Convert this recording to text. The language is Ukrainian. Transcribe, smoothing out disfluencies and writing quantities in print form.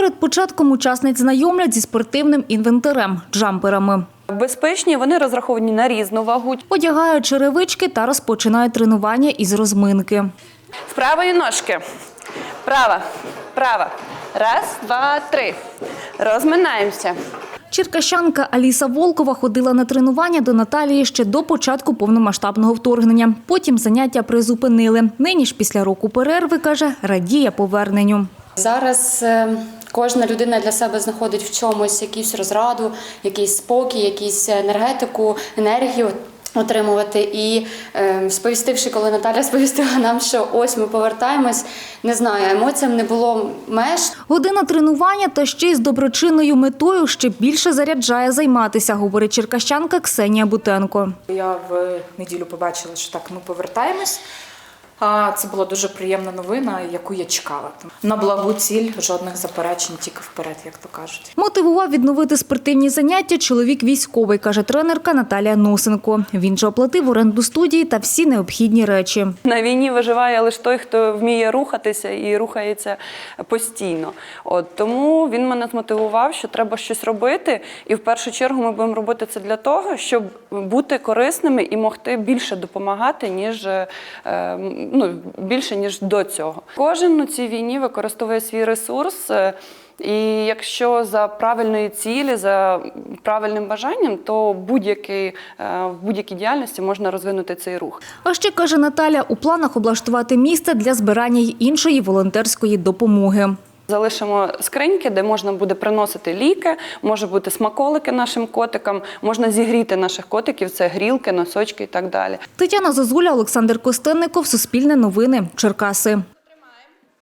Перед початком учасниць знайомлять зі спортивним інвентарем – джамперами. Безпечні, вони розраховані на різну вагу. Одягають черевички та розпочинають тренування із розминки. З правої ножки. Права, права. Раз, два, три. Розминаємося. Черкащанка Аліса Волкова ходила на тренування до Наталії ще до початку повномасштабного вторгнення. Потім заняття призупинили. Нині ж після року перерви, каже, радіє поверненню. Зараз кожна людина для себе знаходить в чомусь якусь розраду, якийсь спокій, якусь енергетику, енергію отримувати. І сповістивши, коли Наталя сповістила нам, що ось ми повертаємось, не знаю, емоціям не було меж. Година тренування та ще й з доброчинною метою ще більше заряджає займатися, говорить черкащанка Ксенія Бутенко. Я в неділю побачила, що так, ми повертаємось. Це була дуже приємна новина, яку я чекала. На благу ціль, жодних заперечень, тільки вперед, як то кажуть. Мотивував відновити спортивні заняття чоловік військовий, каже тренерка Наталія Носенко. Він же оплатив оренду студії та всі необхідні речі. На війні виживає лише той, хто вміє рухатися і рухається постійно. Тому він мене змотивував, що треба щось робити. І в першу чергу ми будемо робити це для того, щоб бути корисними і могти більше допомагати, більше, ніж до цього. Кожен на цій війні використовує свій ресурс, і якщо за правильної цілі, за правильним бажанням, то в будь-якій діяльності можна розвинути цей рух. А ще, каже Наталя, у планах облаштувати місце для збирання й іншої волонтерської допомоги. Залишимо скриньки, де можна буде приносити ліки, може бути смаколики нашим котикам, можна зігріти наших котиків, це грілки, носочки і так далі. Тетяна Зозуля, Олександр Костенников, Суспільне новини, Черкаси.